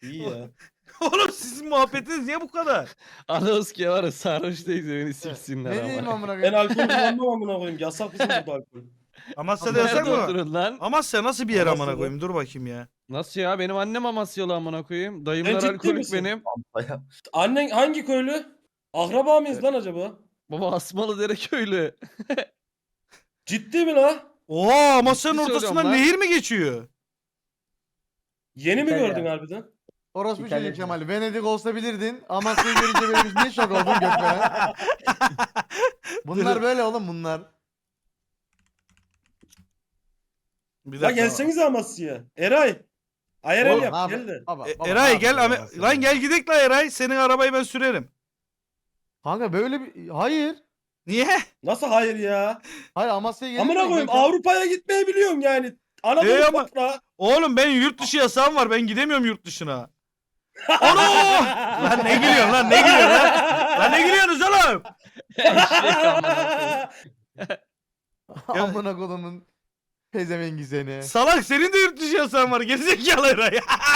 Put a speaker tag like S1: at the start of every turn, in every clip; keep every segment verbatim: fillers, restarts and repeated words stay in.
S1: İyi ya.
S2: Oğlum sizin muhabbetiniz niye bu kadar?
S3: Anonski var ya sarhoş değil beni siksinler
S4: Ne
S3: ama.
S4: diyeyim amına
S1: Ben
S4: koyayım?
S1: alkol kullanmam amına koyayım. Yasak bizim burada alkol.
S2: Amasya'da yasak
S3: Nerede
S2: mı?
S3: oturun lan?
S2: Amasya nasıl bir yer amına
S1: Amasya'da.
S2: koyayım? Dur bakayım ya.
S3: Nasıl ya? Benim annem Amasyalı amına koyayım. Dayımlar
S1: ciddi
S3: alkolik
S1: misin?
S3: benim.
S1: Annen hangi köylü? Akraba mıyız lan acaba?
S3: Baba Asmalı Dere köylü.
S1: Ciddi mi la?
S2: Oo, Amasya'nın
S3: Ciddi
S2: ortasından
S3: söylüyorum lan.
S2: nehir mi geçiyor?
S1: Yeni mi
S5: İtalya.
S1: gördün harbiden?
S4: Orospu
S5: İtalya.
S4: çocuk Kemal. Venedik olsa bilirdin. Amasya'yı görünce böyle biz niye şok oldun gökmene? Bunlar böyle oğlum bunlar.
S2: Bir
S1: La gelsenize Amasya'ya. Eray. Ayarel
S4: Oğlum,
S1: yap
S4: abi,
S1: gel de.
S4: baba,
S2: E,
S4: baba,
S2: Eray
S4: ne
S2: gel
S4: yapıyorsun
S2: Ame-
S4: Amasya'da?
S2: lan gel gidelim la Eray. Senin arabayı ben sürerim.
S4: Kanka böyle bir... Hayır.
S2: Niye?
S1: Nasıl hayır ya?
S4: Hayır Amasya'ya gelin.
S1: Amına koyayım Avrupa'ya gitmeyi biliyorum yani. Anadolu
S2: Ee, ama-
S1: toprağı.
S2: Oğlum ben yurt dışı yasağım var. Ben gidemiyorum yurt dışına. Ana! Lan ne gülüyorsun lan ne gülüyorsun lan? Lan ne gülüyorsunuz oğlum?
S3: Eşek amına koyayım.
S4: Amına kodumun pezevengi seni.
S2: Salak senin de yurt dışı yasağın var. Gerizekalı Eray.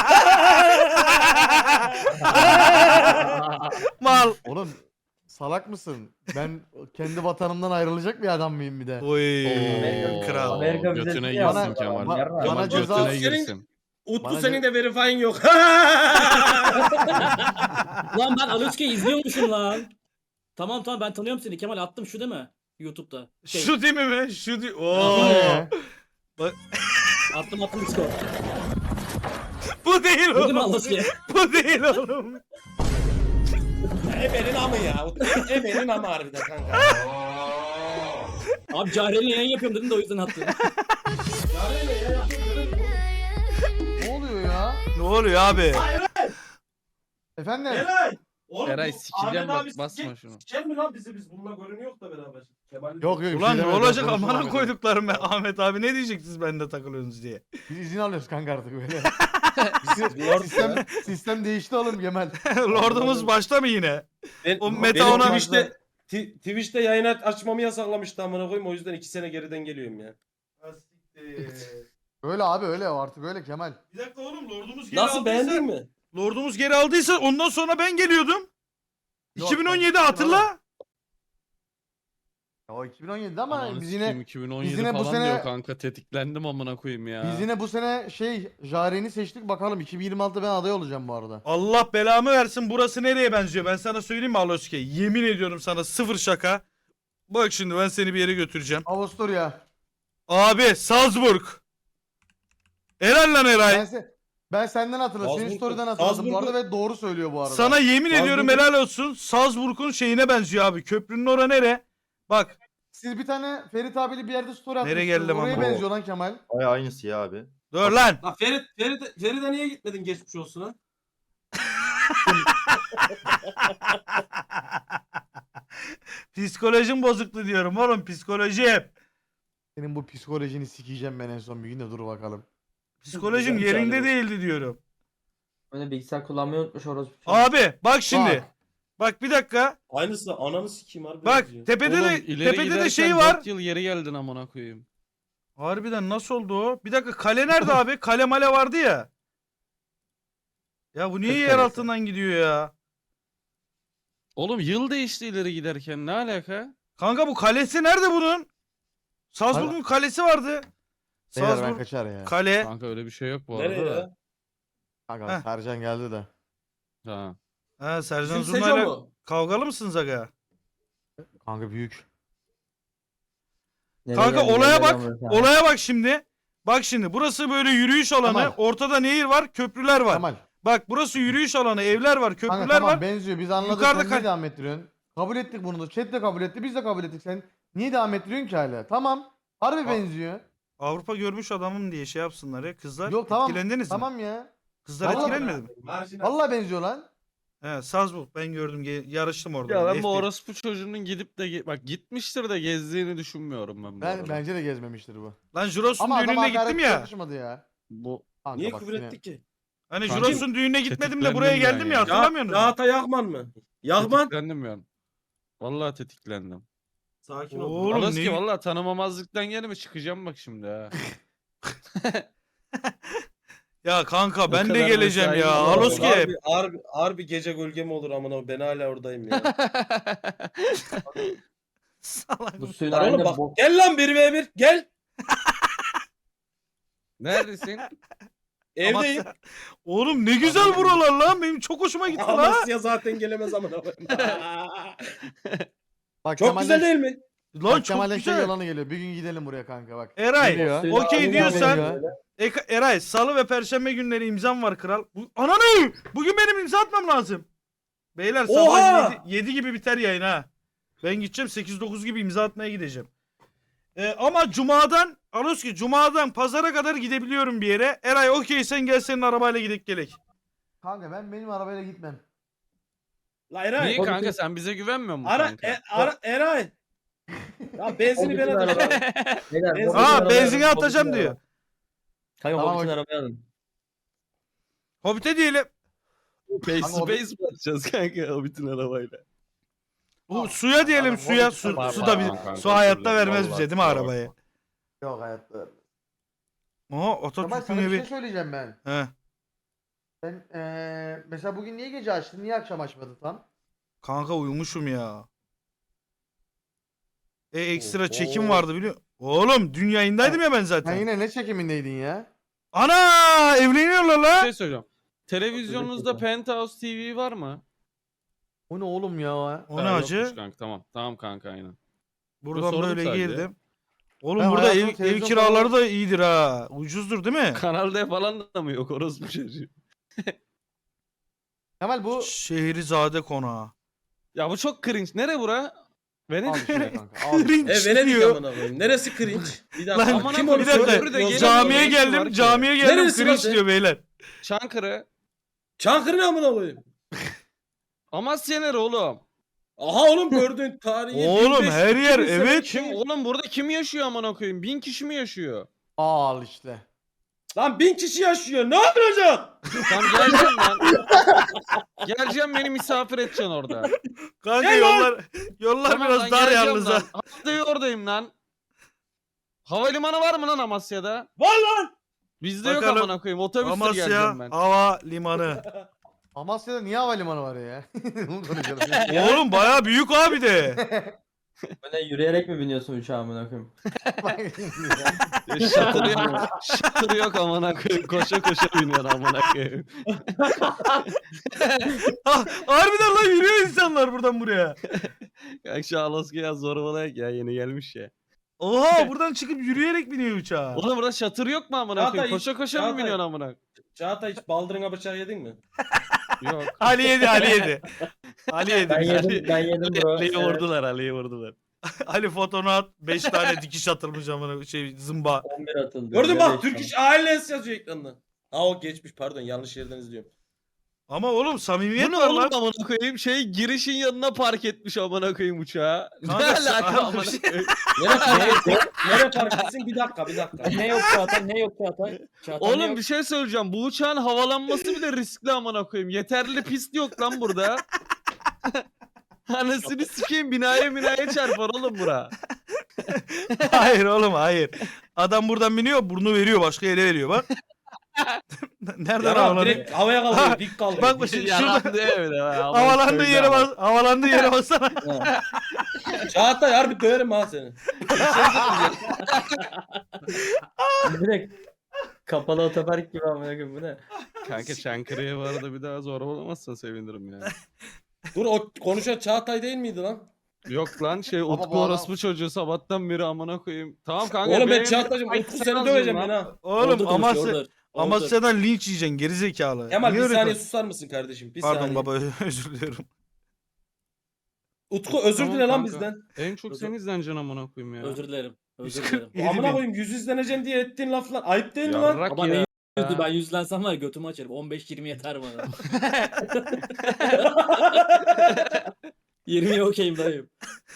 S2: Mal.
S4: Oğlum salak mısın? Ben kendi vatanımdan ayrılacak bir adam mıyım bir de?
S2: Oy.
S5: Amerika-
S2: Kral.
S5: Amerika
S3: Götüne
S5: vizesi
S3: girsin
S5: yapma.
S3: Kemal.
S4: Bana-
S5: Yarra.
S3: Kemal
S4: bana ceza-
S3: götüne
S1: Senin-
S3: girsin.
S1: Utku
S4: Bana
S1: senin
S4: ceza-
S1: de verifying yok.
S6: Lan ben Aluçka'yı izliyormuşum lan. Tamam tamam ben tanıyorum seni Kemal attım şu değil mi? YouTube'da. Şey,
S2: Şu değil mi mi? Şu değil. Oo.
S4: Ee,
S6: attım attım Discord.
S2: Bu değil
S6: Bu değil mi
S2: oğlum.
S6: Aluçka?
S2: Bu değil oğlum.
S1: Ebenin amı ya. Ebenin amı harbiden kanka.
S6: Abi Cahre'yle yayın yapıyorum dedim de o yüzden attım.
S4: ne oluyor ya?
S2: Ne oluyor abi?
S4: Efendim?
S1: Eray. Oğlum,
S3: Eray
S1: bu
S3: sikeceğim
S1: Ahmet
S3: bak,
S1: abi
S3: basma
S1: sike-
S3: şunu.
S1: Siker mi lan bizi biz bununla görünüyor da beraber. Kemal
S4: Yok yok. bir şey
S2: Ulan ne
S4: demedim,
S2: olacak
S4: konuşma
S2: amına
S4: Ahmet'e.
S2: koyduklarım ben. Ahmet abi ne diyeceksiniz bende takılıyorsunuz diye.
S4: Biz izin alıyoruz kanka artık böyle.
S1: Lord
S4: sistem, sistem değişti oğlum Kemal.
S2: Lordumuz başta mı yine?
S1: Ben,
S2: O meta
S1: benim
S2: ona-
S1: Twitch'te, Ti- Twitch'te yayın aç- açmamı yasaklamıştı amına koyayım o yüzden iki sene geriden geliyorum ya.
S4: Öyle abi öyle artık öyle Kemal.
S2: Bir dakika oğlum lordumuz geri
S1: Nasıl
S2: aldıysa-
S1: beğendin mi?
S2: Lordumuz geri aldıysa ondan sonra ben geliyordum.
S4: Yok,
S2: iki bin on yedi
S4: ben-
S2: hatırla.
S4: Ya o iki bin on yedide ama
S3: Ananı
S4: biz
S3: sikeyim,
S4: yine
S3: iki bin on
S4: biz
S3: yedi
S4: yine bu
S3: falan
S4: sene-
S3: diyor kanka tetiklendim amına koyayım ya.
S4: biz yine bu sene şey Jaren'i seçtik bakalım iki bin yirmi altıda ben aday olacağım bu arada.
S2: Allah belamı versin burası nereye benziyor ben sana söyleyeyim mi Aloske? Yemin ediyorum sana sıfır şaka. Bak şimdi ben seni bir yere götüreceğim.
S4: Avusturya.
S2: Abi Salzburg. Helal lan Eray.
S4: Ben, se ben senden hatırladım. Senin
S1: Salzburg-
S4: story'den hatırladım bu arada
S1: Salzburg'u-
S4: ve doğru söylüyor bu arada.
S2: Sana yemin
S1: Salzburg-
S2: ediyorum helal olsun. Salzburg'un şeyine benziyor abi. Köprünün ora nere? Bak.
S4: Siz bir tane Ferit abiyle bir yerde story atmışsınız.
S2: Nereye geldim
S4: Oraya
S2: ama?
S4: benziyor lan Kemal.
S7: Ay aynısı ya abi.
S2: Dur lan.
S1: Lan Ferit, Ferit, Ferit'e niye gitmedin geçmiş olsun ha?
S2: Psikolojim bozuktu diyorum oğlum psikolojim.
S4: Senin bu psikolojini sikeceğim ben en son bir gün de dur bakalım.
S2: Psikolojim
S1: Güzel
S2: yerinde
S1: çağrı.
S2: değildi diyorum.
S5: Öyle bilgisayar kullanmayı unutmuş orospu.
S2: Abi bak şimdi.
S4: Bak.
S2: Bak bir dakika.
S1: Aynısı ananı sikeyim harbi.
S2: Bak
S1: benziyor.
S2: tepede
S3: Oğlum,
S2: de
S3: ileri
S2: tepede de
S3: giderken
S2: şey var.
S3: dört yıl geri geldin amına koyayım.
S2: Harbiden nasıl oldu o? Bir dakika kale nerede abi? Kale male vardı ya. Ya bu niye
S5: Kız
S2: yer
S5: kalesi.
S2: altından gidiyor ya?
S3: Oğlum yıl değişti ileri giderken ne alaka?
S2: Kanka bu kalesi nerede bunun? Salzburg'un kalesi vardı.
S4: Beyler ben
S2: Salzburg
S4: kaçar ya.
S2: kale.
S3: Kanka öyle bir şey yok bu
S1: Nereye
S3: arada da.
S1: ya?
S4: Kanka
S2: Heh.
S4: Sercan geldi de.
S3: Ha.
S2: Ha Sercan
S1: Bizim Seco
S2: Zurna'yla
S1: mu?
S2: kavgalı mısınız aga?
S4: Kanka büyük.
S5: Nereye
S2: Kanka
S5: geldi,
S2: olaya
S5: nereye
S2: bak.
S5: geldi ya?
S2: Olaya bak şimdi. Bak şimdi burası böyle yürüyüş alanı.
S4: Kemal.
S2: Ortada nehir var, köprüler var.
S4: Kemal.
S2: Bak burası yürüyüş alanı, evler var, köprüler
S4: Kanka tamam
S2: var.
S4: benziyor biz anladık
S2: Yukarıda
S4: sen niye
S2: kal-
S4: devam ettiriyorsun? Kabul ettik bunu da. Chat de kabul etti biz de kabul ettik sen. Niye devam ettiriyorsun ki hala? Tamam. Harbi
S2: Aa,
S4: benziyor.
S2: Avrupa görmüş adamım diye şey yapsınlar ya kızlar.
S4: Yok tamam.
S2: Etkilendiniz mi?
S4: Tamam ya.
S2: Kızlar
S4: Vallahi-
S2: etkilenmedi mi?
S1: Marjinal.
S4: Vallahi benziyor lan.
S2: He Salzburg ben gördüm ge- yarıştım orada.
S3: Ya ben
S2: F
S3: bu
S2: bir.
S3: orospu çocuğunun gidip de ge- bak gitmiştir de gezdiğini düşünmüyorum ben bu
S4: Ben
S3: arada.
S4: bence de gezmemiştir bu.
S2: Lan Juros'un
S4: Ama adama
S2: düğününe gittim
S4: hakaret
S2: ya.
S4: yakışmadı ya.
S3: Bu
S4: Kanka
S1: Niye
S4: bak
S1: küfür
S4: yine-
S1: ettik ki?
S2: Hani
S3: Kanka,
S2: Juros'un düğününe gitmedim de
S3: tetiklendim
S2: buraya
S3: ben
S2: geldim ya
S3: ya.
S2: hatırlamıyor musun?
S1: Rahata Yahman mı? Yahman.
S3: tetiklendim yani. Vallahi tetiklendim.
S1: Sakin ol.
S2: Oğlum
S3: Alas
S2: ne-
S3: ki vallahi tanımamazlıktan gelme çıkacağım bak şimdi ha.
S2: Ya kanka ben de
S3: kadar
S2: geleceğim
S3: mesai
S2: ya.
S3: mi var?
S2: Aloski.
S1: Harbi, harbi, harbi gece gölge mi olur amına ben hala oradayım ya.
S2: Salak.
S5: Bu suyun
S1: Lan oğlum
S5: halinde
S1: bak
S5: bok.
S1: gel lan bir ve bir gel.
S3: Neredesin?
S1: Evdeyim.
S2: Amasya. Oğlum ne güzel buralar lan. Benim çok hoşuma gitti lan.
S1: Amasya zaten gelemez amına koyayım.
S4: Bak
S1: Çok
S4: Kemal'den-
S1: güzel değil mi?
S2: Lan
S4: Bak
S2: çok
S4: Kemal'den şey
S2: güzel.
S4: yalanı geliyor. Bir gün gidelim buraya kanka bak.
S2: Eray
S4: Geliyor.
S5: Suyun
S2: okey
S5: halinde
S2: diyorsan
S5: geliyor.
S2: Eka- Eray salı ve perşembe günleri imzam var kral. Bu, ananı! Bugün benim imza atmam lazım. Beyler
S1: Oha!
S2: sabah yedi gibi biter yayın ha. Ben gideceğim sekiz dokuz gibi imza atmaya gideceğim. Ee, ama cumadan Aloski cumadan pazara kadar gidebiliyorum bir yere. Eray okey sen gel senin arabayla gidip gelek.
S4: Kanka ben benim arabayla gitmem.
S1: La Eray.
S3: Niye kanka sen bize güvenmiyor musun
S1: Ara,
S3: kanka?
S1: e, ara Eray. Ya benzini ben
S5: O bütün
S1: atacağım.
S5: araba- Beyler,
S1: Benzin-
S5: o bütün
S2: Aa
S5: arabayı
S2: benzine
S5: alın, o
S2: atacağım
S5: bütün
S2: diyor.
S5: araba. Kanka
S4: Tamam,
S5: o bütün
S4: okey.
S5: arabayı alın.
S2: Hobbit'e diyelim.
S3: Face
S4: Kanka
S3: to
S4: o-
S3: face mi atacağız kanka o bütün arabayla?
S2: Bu suya diyelim
S4: Tamam,
S2: suya.
S4: Hobbit'e
S2: Su,
S4: tamam,
S2: su da
S3: tamam
S2: bir
S3: kanka,
S2: su hayatta
S3: özür dilerim,
S2: vermez
S3: vallahi
S2: bize değil mi
S3: kusura
S2: arabayı?
S4: Yok hayatta.
S2: Oha
S4: Kemal
S2: Atatürk'ün
S4: sana bir şey
S2: evi.
S4: söyleyeceğim ben.
S2: He.
S4: Sen eee mesela bugün niye gece açtın? Niye akşam açmadın tam?
S2: Kanka uyumuşum ya. E ekstra
S1: Oho.
S2: çekim vardı biliyor. Oğlum dün yayındaydım ya ben zaten.
S4: Sen yine ne çekimindeydin ya?
S2: Ana evleniyorlar
S3: Bir
S2: la.
S3: şey söyleyeceğim. Televizyonunuzda Penthouse T V var mı?
S4: O ne oğlum ya?
S2: O ne
S3: Ha,
S2: acı?
S3: yokmuş kanka tamam. Tamam kanka aynen.
S2: Buradan
S3: sordum
S2: böyle
S3: sadece.
S2: girdim. Oğlum
S4: Ben
S2: burada ev,
S4: hayatımda
S2: ev
S4: televizyon
S2: kiraları
S4: falan-
S2: da iyidir ha. Ucuzdur değil mi?
S3: Kanal D falan da mı yok orospu çocuğu?
S4: Kemal bu...
S2: Şehrizade konağı.
S3: Ya bu çok cringe. Nere bura?
S4: Al
S3: Venedik
S4: işte
S3: mi?
S4: kanka. Al.
S2: Cringe
S1: E Venedik
S2: diyor.
S1: amına koyayım. Neresi cringe? Bir
S2: Lan,
S1: dakika.
S3: Aman
S1: Kim
S3: Allah'ım,
S1: onu
S2: bir dakika.
S1: söylüyor?
S3: Köprüde gelin-
S2: Camiye
S3: Ne işi var
S2: geldim.
S3: ki?
S2: Camiye geldim.
S1: Neresi
S2: Cringe
S1: burası?
S2: diyor beyler.
S3: Çankırı.
S1: Çankırı ne amına koyayım?
S3: Amasya nere oğlum?
S1: Aha oğlum gördün tarihi.
S2: Oğlum,
S1: bin beş yüz
S2: her yer,
S1: iki bin
S2: evet.
S1: sene
S3: Kim
S1: kim?
S3: oğlum burada kim yaşıyor amına koyayım? Bin kişi mi yaşıyor?
S4: Al işte.
S1: Lan bin kişi yaşıyor. Ne yapacak?
S3: Tamam geleceğim lan. Geleceğim beni misafir edeceksin orada.
S2: Kanka
S1: Gel lan.
S2: yollar yollar
S3: Tamam
S2: biraz
S3: lan,
S2: dar
S3: geleceğim
S2: yalnız ha.
S3: lan. Haftaya oradayım lan. Havalimanı var mı lan Amasya'da?
S1: Var lan.
S3: Bizde yok
S2: Bakalım.
S3: amına koyayım. Otobüsle
S2: Amasya
S3: geleceğim ben.
S2: Hava Limanı.
S4: Amasya'da niye havalimanı var ya? Bunu konuşalım.
S2: Oğlum baya büyük abi de.
S5: Böyle yürüyerek mi biniyorsun uçağa amına koyayım?
S4: Bak şimdi ya.
S3: Ya Şatırı yok. Şatırı yok amına koyayım. Koşa koşa biniyorsun amına koyayım.
S2: Ha, harbiden lan yürüyor insanlar buradan buraya.
S3: Kanka şu Alaska'ya zorbalayak ya yeni gelmiş ya.
S2: Oha buradan çıkıp yürüyerek biniyor uçağa.
S3: Oğlum burada şatır yok mu amına
S1: Çağatay,
S3: koyayım? Koşa koşa mı
S1: Çağatay.
S3: biniyorsun amına?
S1: Çağatay hiç baldırına bıçak yedin mi?
S3: Yok.
S2: Ali yedi Ali yedi. Ali yedi.
S5: Ben
S2: Ali,
S5: yedim, ben yedim bro.
S3: Ali'yi
S5: Evet.
S3: vurdular Ali'yi vurdular.
S2: Ali fotonu at. beş tane dikiş atılmış amına şey zımba.
S5: on bir atıldı.
S1: Gördün
S5: Ya
S1: bak
S5: beş
S1: Türk İş Ailesi yazıyor ekranda. Aa o geçmiş pardon yanlış yerden izliyorum.
S2: Ama oğlum samimiyet
S3: Bu ne
S2: var
S3: oğlum
S2: lan.
S3: amına koyayım? Şey girişin yanına park etmiş amına koyayım uçağı. Ne
S2: Kanka,
S3: alaka
S2: abi,
S3: amına
S2: şey-
S3: koyayım?
S1: Nere, nere, nere park etsin? Bir dakika bir dakika.
S6: Ne yok Çağatay, ne yok Çağatay? Çağatay ne
S3: Oğlum
S6: yok?
S3: bir şey söyleyeceğim. Bu uçağın havalanması bile riskli amına koyayım. Yeterli pist yok lan burada. Anasını sikeyim binaya binaya çarpar oğlum bura.
S2: Hayır oğlum hayır. Adam buradan biniyor burnu veriyor başka yere veriyor bak. Nereden
S1: Yara
S2: havalanıyor?
S1: direkt havaya
S2: Ha,
S1: kalkıyor dik kalkıyor.
S2: bak bu
S1: Dik-
S2: şey-
S3: Yalandı öyle.
S2: Havalandığı yere bas. Havalandığı yere bassana.
S1: Çağatay harbi döverim ha seni.
S5: Direkt kapalı otopark gibi amına koyayım bu ne?
S3: Kanka Çankırı'ya bu arada bir daha zorbalamazsan sevinirim ya.
S1: Dur o konuşan Çağatay değil miydi lan?
S3: Yok lan şey
S4: Baba,
S3: Utku
S4: bu adam-
S3: orospu çocuğu sabahtan beri amına koyayım. Tamam kanka.
S1: Oğlum ben
S3: benim-
S1: Çağatay'cım
S3: Ay,
S1: Utku
S3: sen
S1: seni
S3: aldın
S1: döveceğim
S3: lan.
S1: ben ha.
S2: Oğlum
S6: Orada konuşuyor,
S2: Amasya,
S6: orada. Orada.
S2: Amasya'dan linç yiyeceksin gerizekalı.
S1: Kemal
S2: Niye
S1: bir
S2: öyle
S1: saniye
S2: kon-
S1: susar mısın kardeşim? Bir
S2: Pardon
S1: saniye.
S2: baba özür diliyorum.
S1: Utku özür
S3: Tamam
S1: dile lan
S3: kanka.
S1: bizden.
S3: En çok sen izleneceksin amına koyayım ya.
S6: Özür dilerim. Özür
S2: yüz
S6: dilerim.
S2: kırk yedi
S1: Amına
S2: bin.
S1: koyayım yüz izleneceksin diye ettiğin laflar ayıp değil mi lan?
S3: Yarrak
S6: Ama
S3: ya.
S6: ne yüzü ben yüzlensem var ya götümü açarım. on beş yirmi yeter bana. yirmiye okeyim dayım.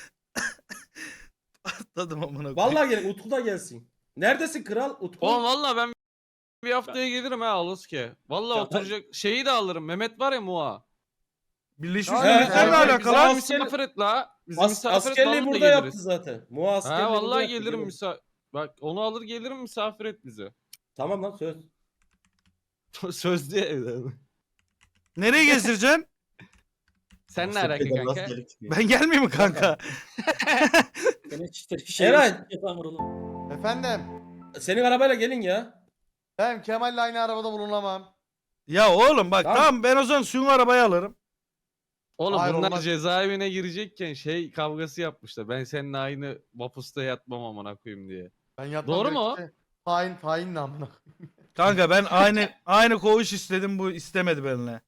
S2: Tadım amına koyayım.
S1: Vallahi gel Utku da gelsin. Neredesin kral Utku?
S3: Oğlum valla ben bir haftaya gelirim ha Alaska'ya. Valla
S6: Ya ben-
S3: oturacak şeyi de alırım. Mehmet var ya Muha.
S2: Birleşmiş
S4: He,
S2: Milletler'le
S1: he,
S2: alakalı
S3: Bizi
S2: lan.
S1: asker-
S3: misafir et la. Bizi
S1: As-
S3: misafir et
S1: askerliği
S3: vallahi
S1: burada yaptı
S3: geliriz.
S1: zaten. Muha askerliği
S3: Ha
S1: burada
S3: vallahi
S1: yaptı,
S3: gelirim
S1: gelin.
S3: misafir. Bak onu alır gelirim misafir et bizi.
S1: Tamam lan söz.
S3: Sözlü evde.
S2: Nereye gezdireceksin?
S3: Sen ne alaka kanka?
S2: Ben gelmeyeyim mi kanka?
S6: Senin işte şey
S1: Eray.
S6: yapamır oğlum.
S4: Efendim.
S1: Senin arabayla gelin ya.
S4: Ben Kemal'le aynı arabada bulunamam.
S2: Ya oğlum bak
S1: Tamam.
S2: tamam ben o zaman suyun arabayı alırım.
S3: Oğlum
S4: Hayır,
S3: bunlar
S4: olmaz.
S3: cezaevine girecekken şey kavgası yapmışlar. Ben seninle aynı vapusta yatmam amına koyayım diye.
S4: Ben yatmam
S3: Doğru
S4: direkt
S3: mu?
S4: işte. Tayin tayin namına.
S2: Kanka ben aynı aynı koğuş istedim bu istemedi benimle.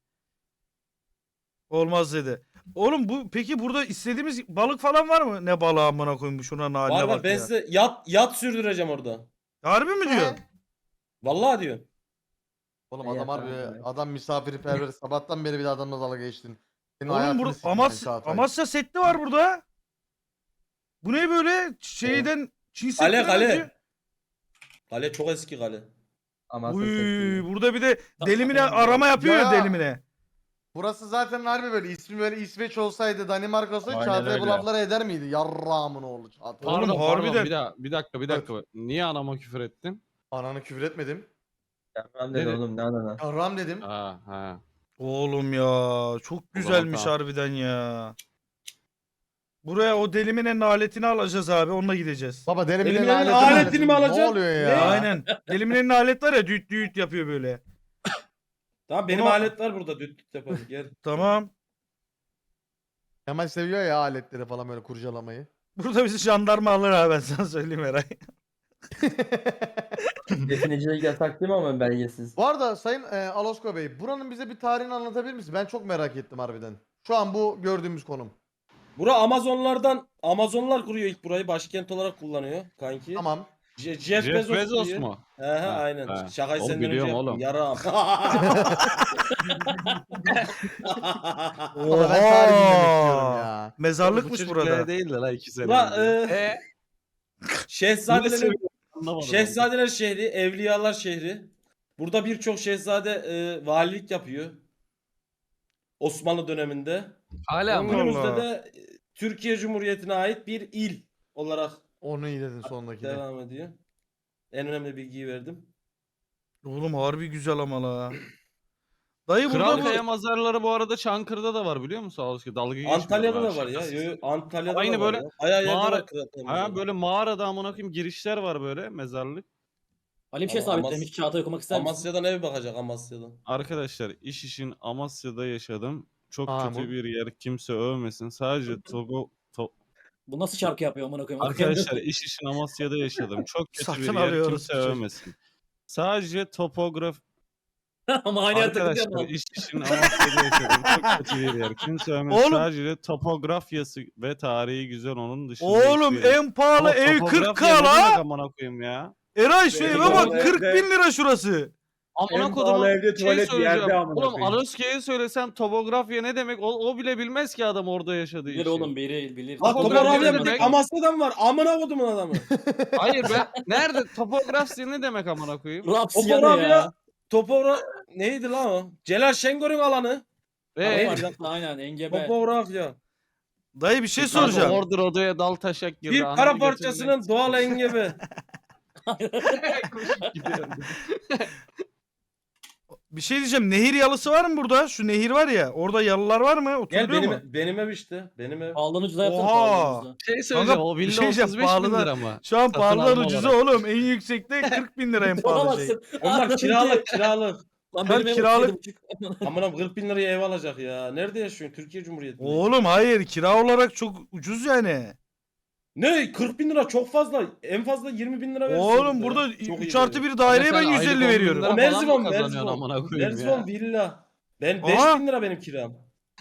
S2: Olmaz dedi. Oğlum bu peki burada istediğimiz balık falan var mı? Ne balığı amına koyayım bu şuna haline
S1: Var var
S2: bak
S1: ben
S2: ya.
S1: size yat yat sürdüreceğim orada.
S2: Harbi mi diyor?
S1: Vallahi diyor.
S4: Oğlum
S5: Ne
S4: adam harbi
S5: yapalım ya?
S4: adam misafirperver. Sabahtan beri bir de adamla dalga geçtin. Senin
S2: Oğlum
S4: hayatını
S2: burada
S4: sikeyim
S2: Amas
S4: ben Çağatay.
S2: Amasya setli var burada. Bu ne böyle şeyden Çin
S1: Kale
S2: setli
S1: kale. Kale çok eski kale.
S5: Amasya
S2: Uy,
S5: Setti'yi.
S2: burada bir de delimine arama yapıyor ya
S4: Ya.
S2: delimine.
S4: Burası zaten harbi böyle ismi böyle İsveç olsaydı Danimarka olsaydı
S5: Aynen
S4: Çağatay bu
S5: öyle.
S4: lafları eder miydi? Yarrağımın oğlu Çağatay.
S2: Oğlum,
S3: Pardon
S2: harbiden-
S3: pardon bir, daha, bir dakika bir dakika. Niye anama küfür ettin?
S4: Ananı küfür etmedim.
S5: Yarram dedi
S3: Dedi.
S5: oğlum ne anana.
S4: Yarram dedim.
S3: Ha ha.
S2: Oğlum ya çok güzelmiş
S3: tamam.
S2: harbiden ya. Buraya o deliminenin aletini alacağız abi onunla gideceğiz.
S4: Baba derim
S1: Elimin
S4: bile
S1: elinin
S4: lanetim
S1: aletini mi
S4: lanetim.
S1: alacaksın?
S4: Ne oluyor ya?
S1: Ne?
S2: Aynen. Deliminenin alet var ya düğüt düğüt yapıyor böyle.
S1: Tamam benim
S2: Bunu-
S1: alet var burada düt düt yaparım gel.
S2: Tamam.
S4: Kemal seviyor ya aletleri falan böyle kurcalamayı.
S2: Burada bizi jandarma alır abi ben sana söyleyeyim Eray.
S5: Definecilik yasak değil mi ama belgesiz?
S4: Bu arada Sayın e, Alosko Bey, buranın bize bir tarihini anlatabilir misin? Ben çok merak ettim harbiden. Şu an bu gördüğümüz konum.
S1: Bura Amazonlardan Amazonlar kuruyor ilk burayı başkent olarak kullanıyor kanki.
S4: Tamam.
S1: Je- Jeff,
S3: Jeff
S1: Bezos,
S3: Bezos
S1: kuruyor.
S3: mu?
S1: He he
S3: Ha,
S1: aynen.
S3: ha.
S1: Şakayı
S3: Oğlum
S1: senden önce
S3: biliyorum
S1: yaptım.
S3: oğlum.
S1: Yaram.
S4: Valla ben tarih dinlemek istiyorum ya.
S2: Mezarlıkmış burada.
S3: değil de la iki sene.
S1: Ula
S3: önce.
S1: e, Şehzadelerin
S3: Anlamadım.
S1: Şehzadeler şehri, Evliyalar şehri. Burada birçok şehzade e, valilik yapıyor. Osmanlı döneminde.
S3: Hala mı?
S2: Allah
S1: Günümüzde
S2: Allah.
S1: de e, Türkiye Cumhuriyeti'ne ait bir il olarak
S4: Onu iyi dedin sondakine.
S1: devam ediyor. En önemli bilgiyi verdim.
S2: Oğlum harbi güzel ama la. Dayı burada
S3: Kral
S2: bu...
S3: Kaya mazarları bu arada Çankırı'da da var biliyor musun? Sağ olsun. Dalga geçmiyorum.
S1: Antalya'da
S3: ha,
S1: da var ya.
S3: şakasız.
S1: Yo, yo, Antalya'da
S3: Aynı
S1: da var
S3: böyle
S1: ya. Bayağı yerde
S3: mağara-
S1: var Kral Kaya
S3: Ha
S1: mezarı.
S3: böyle mağarada amına koyayım girişler var böyle mezarlık.
S6: Ali bir şey
S1: Ama
S6: sabitlemiş.
S1: Amas-
S6: Çağatay okumak ister misin?
S1: Amasya'dan ev bakacak Amasya'dan.
S3: Arkadaşlar iş işin Amasya'da yaşadım. Çok
S4: Aa,
S3: kötü
S4: bu-
S3: bir yer. Kimse övmesin. Sadece Togo to-
S6: Bu nasıl şarkı yapıyor amına koyayım?
S3: Arkadaşlar iş işin Amasya'da yaşadım. Çok kötü
S2: Satın
S3: bir yer.
S2: alıyoruz
S3: Kimse
S2: bu çocuğu.
S3: övmesin. Sadece topograf
S6: Ama aynı yerde
S3: Arkadaşlar
S6: takılıyor
S3: iş işin Amasya'da yaşadım. Çok kötü bir yer. Kimse övmesin.
S2: Oğlum-
S3: Sadece topografyası ve tarihi güzel onun dışında.
S2: Oğlum
S3: hiçbir yer-
S2: en pahalı
S3: Ama
S2: ev
S3: topografya
S2: kırk k
S3: ne demek
S2: la.
S3: amına koyayım ya.
S2: Eray şu
S1: Benim
S2: eve bak
S1: oğlum
S2: kırk
S1: evde-
S2: bin lira şurası.
S3: Amına
S7: En
S3: kodumun
S7: pahalı evde
S3: şey
S7: tuvalet
S3: söyleyeceğim.
S7: yerde amına
S3: Oğlum
S7: koyayım.
S3: Aloske'ye söylesem topografya ne demek? O, o bile bilmez ki adam orada yaşadığı
S6: Bilir
S3: için.
S6: oğlum biri bilir.
S1: Bak
S3: Topografya
S1: topografya
S3: ne
S1: bir
S3: demek?
S1: tek Amasya'dan var. Amına kodumun adamı.
S3: Hayır ben nerede topografya ne demek amına koyayım?
S6: Rapsiya ne
S1: Topografya
S6: ya?
S1: Topogra neydi lan o? Celal Şengör'ün alanı.
S3: Ve
S1: Neydi?
S6: Tamam, aynen engebe.
S1: Topografya.
S2: Dayı bir şey
S3: Kanka
S2: soracağım.
S3: Order odaya dal taşak girdi.
S1: Bir
S3: ananı
S1: kara
S3: götünden
S1: parçasının doğal engebe.
S3: koşup gidiyor.
S2: Bir şey diyeceğim. Nehir yalısı var mı burada? Şu nehir var ya. Orada yalılar var mı?
S1: Gel
S2: Oturuluyor
S1: benim,
S2: mu?
S1: benim ev işte. Benim ev.
S6: Pahalının ucuza yapsana
S2: Oha!
S6: pahalının ucuza.
S3: Şey söyleyeceğim o
S2: bir
S3: villa
S2: şey diyeceğim,
S3: otuz beş bin
S2: pahalıdan-
S3: lira mı?
S2: Şu an
S3: Satın
S2: pahalılar
S3: alma
S2: ucuzu
S3: olarak.
S2: oğlum. En yüksekte kırk bin lira en pahalı şey.
S6: Alamazsın.
S1: Onlar kiralık kiralık.
S6: Lan
S2: Ben
S6: benim ev
S2: kiralık-
S6: otuz yedi buçuk.
S1: Amına kırk bin liraya ev alacak ya. Nerede yaşıyorsun? Türkiye Cumhuriyeti'nde.
S2: Oğlum hayır kira olarak çok ucuz yani.
S1: Ne? kırk bin lira çok fazla. En fazla yirmi bin lira verirsin.
S2: Oğlum
S1: burada
S2: burada
S1: ya. Çok iyi
S2: üç artı
S1: böyle.
S2: bir daireye
S3: Ama
S2: ben
S3: sen
S2: yüz
S3: aylık
S2: elli
S3: on bin
S2: veriyorum.
S3: lira
S1: O
S3: falan mı
S1: Merzifon,
S3: kazanıyorsun
S1: Merzifon.
S3: amına koyayım
S1: Merzifon
S3: ya?
S1: villa. Ben beş
S2: Aha.
S1: bin lira benim kiram.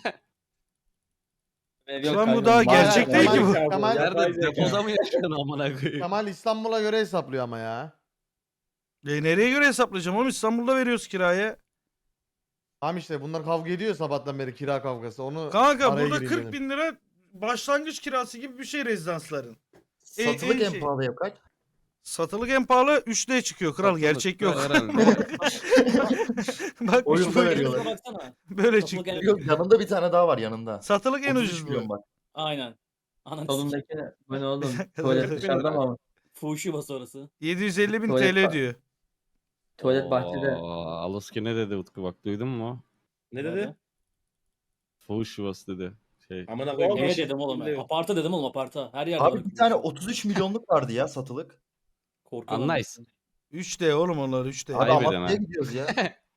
S5: Ev yok
S2: Şu an bu
S5: kanka,
S2: daha
S5: mağara-
S2: gerçek
S4: değil ki bu.
S7: Kemal-
S4: Kemal-
S3: Nerede depoda mı yaşıyorsun amına koyayım?
S4: Kemal İstanbul'a göre hesaplıyor ama ya.
S2: E nereye göre hesaplayacağım oğlum? İstanbul'da veriyoruz kirayı.
S4: Tamam işte bunlar kavga ediyor sabahtan beri kira kavgası. Onu
S2: Kanka
S4: araya
S2: burada
S4: gireyim
S2: kırk
S4: dedim.
S2: bin lira başlangıç kirası gibi bir şey rezidansların. En-
S8: Satılık
S2: en
S8: en
S2: şey.
S8: pahalı ev kaç?
S2: Satılık en pahalı üç D çıkıyor kral
S3: Satılık
S2: gerçek yok.
S3: herhalde.
S2: Bak
S8: Oyunda
S2: üç boyutlu
S8: veriyorlar.
S6: Baksana.
S2: böyle
S6: Satılık
S2: çıkıyor.
S6: en-
S8: Yok yanında bir tane daha var yanında.
S2: Satılık en
S8: otuz üç
S2: ucuz
S8: milyon
S2: bu.
S8: bak.
S6: Aynen. Ananı sikeyim.
S5: Solundaki ne? Bu ne oğlum? Tuvalet dışarıda mı ama?
S6: Fuhuşu bası orası.
S2: yedi yüz elli bin
S5: Tuvalet
S2: T L
S5: var.
S2: diyor.
S5: Tuvalet bahçede.
S3: Oo, Aluski ne dedi Utku bak duydun mu?
S1: Ne dedi?
S3: Fuhuş yuvası dedi. Şey.
S1: Amına koyayım.
S6: Ne
S1: yeşil
S6: dedim oğlum?
S1: bile yok.
S6: Aparta dedim oğlum aparta. Her yerde
S8: Abi
S6: var.
S8: bir tane otuz üç milyonluk vardı ya satılık.
S6: Korkuyorum.
S3: Anlayız.
S2: üç D oğlum onlar üç D.
S8: Abi
S3: Ayıp eden
S8: Amasya'ya
S3: ha.
S8: gidiyoruz ya.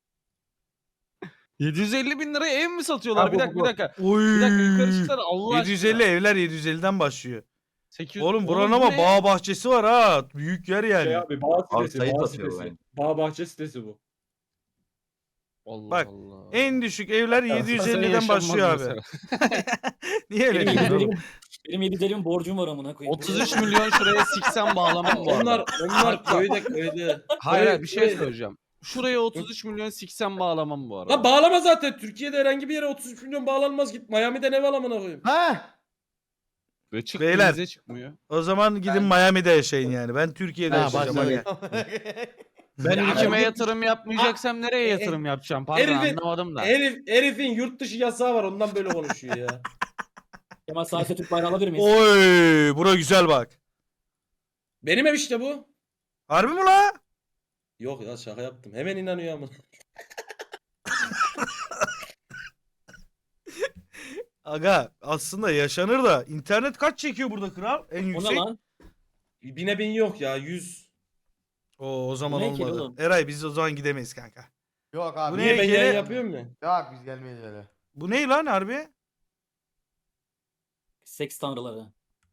S3: yedi yüz elli bin liraya ev mi satıyorlar?
S8: Ha,
S3: bir
S8: bu,
S3: dakika
S8: bu.
S3: bir dakika.
S2: Oy.
S3: Bir dakika yukarı çıksana Allah
S2: yedi yüz elli
S3: aşkına.
S2: evler yedi yüz elliden başlıyor.
S3: sekiz yüz
S2: Oğlum
S3: Oğlum
S2: buranın
S3: bu
S2: ama
S3: ne?
S2: bağ bahçesi var ha. Büyük yer yani.
S1: Şey abi bağ
S8: Abi
S1: sitesi,
S8: sayı
S1: bağ
S8: satıyor
S1: sitesi.
S8: yani.
S1: Bağ bahçe sitesi bu.
S3: Allah
S2: Bak,
S3: Allah.
S2: En düşük evler yedi yüz
S3: Sen
S2: elliden
S3: yaşanmaz
S2: başlıyor abi.
S3: mesela.
S2: Niye öyle
S6: Benim
S2: diyorsun
S6: yedi
S2: oğlum?
S6: yüz elli benim yedi yüz elli bin borcum var amına koyayım.
S3: otuz üç milyon şuraya siksen bağlamam bu arada.
S1: Onlar onlar köyde köyde.
S3: Hayır hayır bir şey
S1: Köyde.
S3: söyleyeceğim. Şuraya otuz üç milyon siksen bağlamam bu arada.
S1: Lan bağlama zaten. Türkiye'de herhangi bir yere otuz üç milyon bağlanmaz. Git Miami'den ev al amına koyayım.
S4: Ha?
S3: Ve çıkmıyor
S2: Beyler.
S3: bize çıkmıyor.
S2: O zaman gidin Miami'de yaşayın yani. Ben Türkiye'de
S4: Ha
S2: yaşayacağım.
S4: başladık.
S2: Hadi.
S3: Ben
S1: Ya
S3: ülkeme
S1: abi-
S3: yatırım yapmayacaksam nereye
S1: e-
S3: yatırım yapacağım? Pardon
S1: herifin-
S3: anlamadım da.
S1: Herif, herifin yurt dışı yasağı var. Ondan böyle konuşuyor ya.
S6: Kemal Saat'e Türk bayrağı alabilir miyiz?
S2: Oy, bura güzel bak.
S1: Benim ev işte bu.
S2: Harbi mi la?
S1: Yok ya şaka yaptım. Hemen inanıyor ama.
S2: Aga aslında yaşanır da internet kaç çekiyor burada kral? En
S6: O ne
S2: yüksek.
S6: lan?
S1: Bine bin yok ya. Yüz.
S2: Oo, o zaman
S6: Bu ne ki
S2: olmadı.
S6: oğlum?
S2: Eray biz o zaman gidemeyiz kanka.
S4: Yok abi.
S2: Bu
S1: Niye
S2: ne
S1: ben
S2: gene-
S1: yayın yapıyorum mu?
S4: Yok biz gelmeyiz öyle.
S2: Bu ne lan harbi?
S6: Seks tanrıları.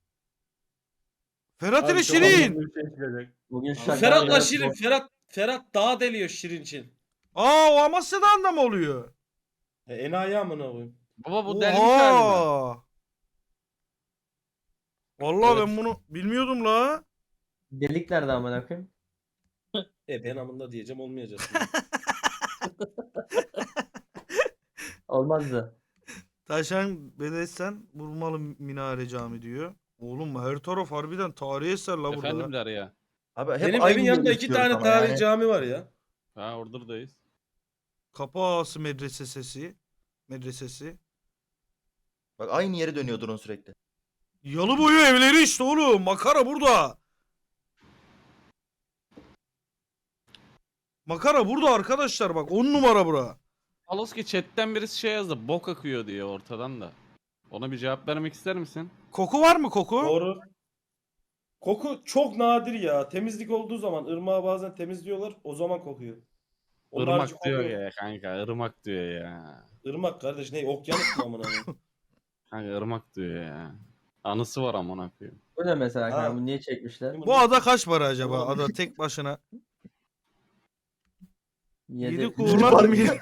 S2: Ferhat ile
S1: Abi, çok
S2: Şirin.
S1: anlamlı bir şey çıkacak.
S5: Bugün şaka.
S1: Ferhat'la
S5: biraz
S1: Şirin.
S5: boş-
S1: Ferhat Ferhat dağ deliyor Şirin için.
S2: Aa, o Amasya'dan da mı oluyor?
S1: E, enayi amına koyayım.
S3: Baba bu delmiş galiba.
S2: Oha. Vallahi
S1: Evet.
S2: ben bunu bilmiyordum la.
S5: Delik nerede amına koyayım?
S1: E ben amında diyeceğim olmayacak.
S5: Olmazdı.
S2: Taşan Bedesten Vurmalı Minare Cami diyor. Oğlum her taraf harbiden tarihi eser la burada.
S3: Efendim Derya.
S8: Abi hep
S1: Benim
S8: aynı
S1: evin
S8: yeri
S1: yanında iki
S8: istiyoruz
S1: tane
S8: ama
S1: tarihi
S8: yani.
S1: cami var ya.
S3: Ha oradayız.
S2: Kapı Ağası Medresesi. Medresesi.
S8: Bak aynı yere dönüyor drone sürekli.
S2: Yalı boyu evleri işte oğlum. Makara burada. Makara burada arkadaşlar bak. on numara bura.
S3: Aloski chatten birisi şey yazdı. Bok akıyor diye ortadan da. Ona bir cevap vermek ister misin?
S2: Koku var mı koku?
S1: Doğru. Koku çok nadir ya. Temizlik olduğu zaman ırmağı bazen temizliyorlar. O zaman kokuyor. Onun harici
S3: Irmak diyor
S1: kokuyor.
S3: ya kanka. Irmak diyor ya.
S1: Irmak kardeş ne? Okyanus mu amına koyayım?
S3: Kanka ırmak diyor ya. Anısı var amına koyayım.
S5: Bu ne mesela
S1: Ha.
S5: kanka? Bu niye çekmişler?
S2: Bu ada kaç para acaba? Ada tek başına. Yedi
S5: Yedi.
S2: kuğular mı?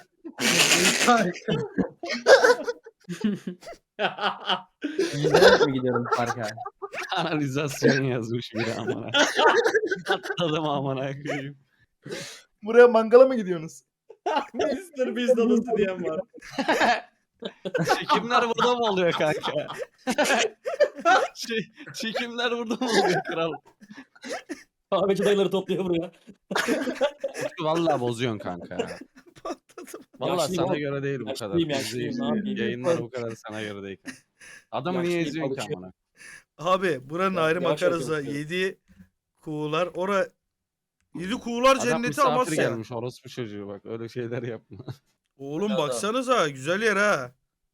S5: Yüzerek mi gidiyorum parka?
S3: Kanalizasyon yazmış biri amına. Atladım amına koyayım.
S8: Buraya mangala mı gidiyorsunuz?
S1: mister Beast adası diyen var.
S3: Çekimler burada mı oluyor kanka? şey, çekimler burada mı oluyor kral?
S6: Kahveci dayıları topluyor buraya.
S3: Vallahi bozuyorsun kanka. Vallahi
S6: Yaşlıyım
S3: sana
S6: oğlum.
S3: göre değil bu kadar.
S6: Yaşlıyım, yaşlıyım, ne yapayım?
S3: Yayınlar bu kadar sana göre değil. Adamı niye
S6: Yaşlıyım,
S3: izliyorsun ki
S6: alışıyorum.
S3: amına?
S2: Abi buranın
S6: Ya,
S2: ayrı
S6: yavaş
S2: makarası.
S6: yapıyorum.
S2: Yedi kuğular. Ora Yedi kuğular
S3: Adam
S2: cenneti
S3: misafir
S2: Amasya.
S3: gelmiş orospu çocuğu bak öyle şeyler yapma.
S2: Oğlum
S5: Ya da-
S2: baksanıza güzel yer ha.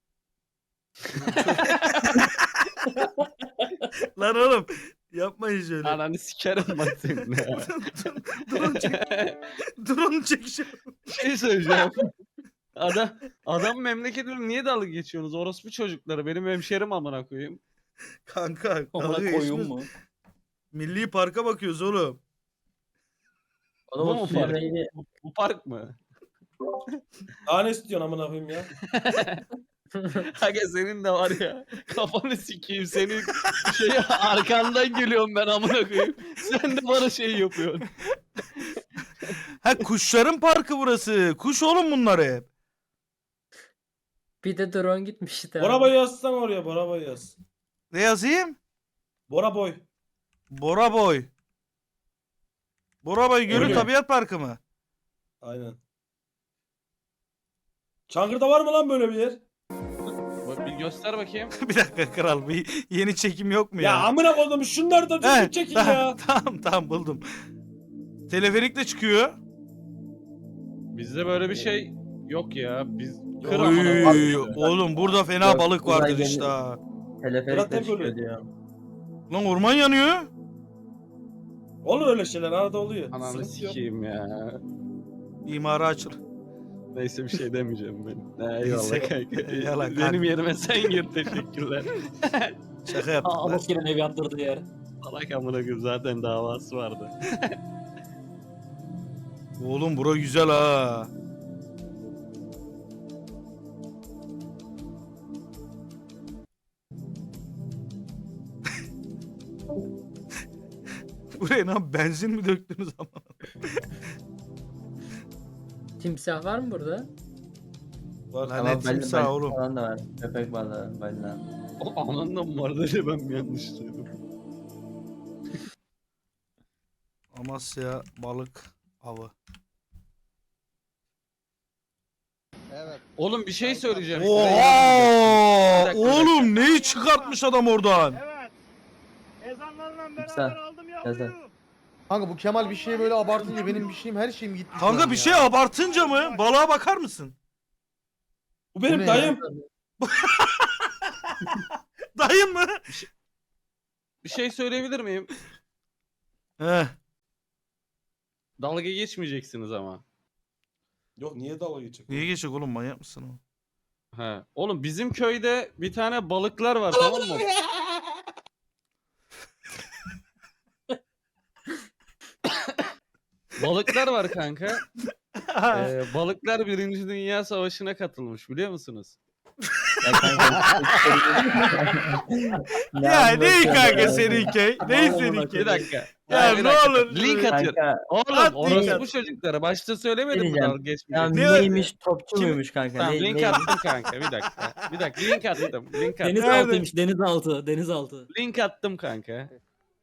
S2: Lan oğlum yapmayın şöyle.
S3: Ananı sikerim bak seninle ya.
S2: Drone çek. Drone çekişim.
S3: şey söyleyeceğim. Adam, adam memleketine niye dalga geçiyorsunuz? Orospu çocukları benim hemşerim amına koyayım.
S2: Kanka
S6: Amına
S2: dalga
S6: koyun
S2: geçmiyoruz.
S6: mu?
S2: Milli Park'a bakıyoruz oğlum.
S5: Oğlum
S3: Bu
S5: o
S3: mu
S5: suyun
S3: park?
S5: rengi
S3: Bu, bu park mı?
S1: Daha ne istiyorsun amına koyayım ya?
S3: Aga senin de var ya kafanı sikeyim senin şey arkandan geliyorum ben amına koyayım. Sen de bana şey yapıyorsun.
S2: Ha kuşların parkı burası. Kuş oğlum bunlar hep.
S5: bir de drone gitmiş işte.
S1: Bora boy yazsan oraya Bora boy yaz.
S2: Ne yazayım?
S1: Bora boy.
S2: Bora Boy. Bora Boy Gölü
S1: Öyle.
S2: Tabiat Parkı mı?
S1: Aynen. Çankırı'da var mı lan böyle bir yer?
S3: Bak bir göster bakayım.
S2: Bir dakika kral bir yeni çekim yok mu ya?
S1: Ya, amına koydum şunları da
S2: He,
S1: düzgün çekin
S2: tamam,
S1: ya.
S2: Tamam tamam buldum. Teleferikle çıkıyor.
S3: Bizde böyle bir şey yok ya. Biz kır amına
S2: Oy,
S3: koyayım.
S2: oğlum burada fena
S5: Yok,
S2: balık
S5: uzay
S2: vardır
S5: gemi-
S2: işte ha.
S5: Teleferikle
S1: Zaten
S5: çıkıyor
S1: böyle.
S5: diyor.
S2: Lan orman yanıyor.
S1: Olur öyle şeyler arada oluyor.
S3: Ananı
S1: Sıkıntı yok.
S3: sikeyim ya.
S2: İmara açıl.
S3: Neyse bir şey demeyeceğim ben.
S2: Neyse.
S3: Eyvallah kanka.
S2: Eyvallah kanka.
S3: Benim yerime sen gir, teşekkürler.
S2: Şaka yaptık
S6: Aa,
S2: lan.
S6: Aluski'nin ev yaptırdığı yer.
S3: Salak amına koyayım, zaten davası vardı.
S2: Oğlum bura güzel ha. Buraya lan benzin mi döktünüz ama?
S5: Timsah var mı burada?
S2: Lan
S5: Ama
S2: ne
S5: balina-
S2: timsah
S5: balina
S2: oğlum.
S5: falan da var. Köpek balığı, balina.
S3: O ananla mı vardı diye ben mi yanlış duydum?
S2: Amasya balık avı.
S3: Oğlum bir şey söyleyeceğim.
S2: Oha!
S3: Bir dakika, bir dakika.
S2: Oğlum neyi çıkartmış adam oradan?
S5: Timsah. Yazar.
S4: Kanka bu Kemal bir şeye böyle abartınca benim bir şeyim her şeyim gitti. şu an
S2: Kanka bir
S4: ya.
S2: şey abartınca mı? Balığa bakar mısın?
S1: Bu benim
S4: Bu ne
S1: dayım.
S2: Dayın mı?
S3: Bir şey söyleyebilir miyim?
S2: He.
S3: Dalga geçmeyeceksiniz ama.
S1: Yok niye dalga geçecek?
S2: Niye geçecek oğlum, manyak mısın o?
S3: He. Oğlum bizim köyde bir tane balıklar var, tamam mı? Balıklar var kanka. Ee, balıklar Birinci Dünya Savaşı'na katılmış, biliyor musunuz?
S5: Ya kanka.
S2: Ya ne
S5: anlatıyorsun
S2: kanka
S5: ya?
S2: seninki? Ne
S6: Aman
S2: seninki?
S3: Bir dakika.
S2: Ya
S3: Hayır, bir
S2: ne
S3: dakika.
S2: olur.
S3: Link atıyorum.
S5: Kanka
S3: Oğlum
S2: At
S3: orası
S2: link.
S3: bu çocuklara. Başta söylemedim mi
S5: Diyeceğim.
S3: dalga
S5: ya
S3: geçmeyecek?
S2: Ne-
S5: neymiş, topçu
S3: Kim-
S5: muymuş kanka?
S3: Tamam
S5: ne,
S3: link
S5: neymiş?
S3: attım kanka, bir dakika. Bir dakika link attım. Link attım.
S6: Denizaltıymış
S2: Nerede?
S6: denizaltı denizaltı.
S3: Link attım kanka.